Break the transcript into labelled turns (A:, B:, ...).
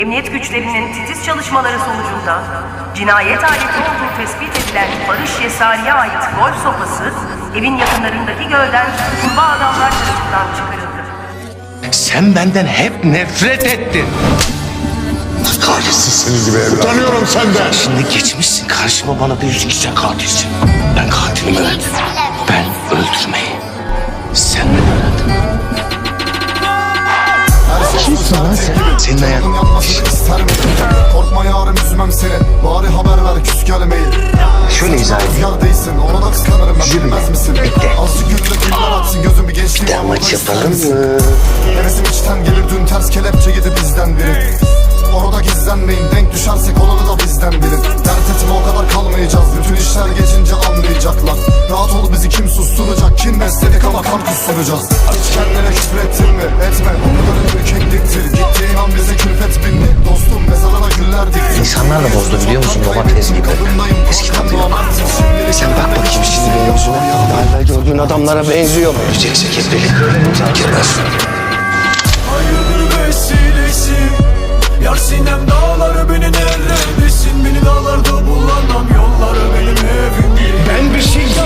A: Emniyet güçlerinin titiz çalışmaları sonucunda cinayet aleti olduğu tespit edilen Barış Yesari'ye ait golf sopası evin yakınlarındaki gölden kurbağa adamlar tarafından çıkarıldı.
B: Sen benden hep nefret ettin.
C: Kahretsin senin gibi evlat. Utanıyorum senden.
B: Şimdi geçmişsin karşıma bana diyorsun ki sen katilsin. Ben katilim evet. Ben öldürmeyi. Senden öğrendim. Kimsin lan sen? Senin ayağın.
D: Korkma yarım üzmem seni. Bari haber ver küs gelmeyin.
B: Şöyle izah edeyim.
D: Rüzgar değilsin ona da kıskanırım ben
B: Yürü.
D: bilmez misin?
B: Bekle.
D: Azıcık gülle güller atsın gözüm bir gençliğim.
B: Bir daha maç yapalım mı?
D: Hevesim içten gelir dün ters kelepçe yedi bizden biri. Orada gizlenmeyin denk düşersek olanı da bizden bilin. Dert etme o kadar kalmayacağız. Bütün işler geçince anlayacaklar. Rahat ol bizi kim susturacak? Kim besledik ama kan kusturacağız. Hiç kendine küfrettin mi? Etme o kadarın ürkekliktir. Gittiğin an bize külfet bindi. Dostum mezarına güller dikti.
B: İnsanlar da bozdu biliyor musun domates gibi. Eski tadı yok. Sen bak bakayım şimdi benim yüzüme. Hala gördüğün adamlara benziyor mu? Öleceksek hep birlikte ölelim. Girmez.
E: Hayırdır vesilesi. Yar sinem dağları beni neredesin? Beni dağlarda bulamam yolları benim evim değil.
B: Ben bir şey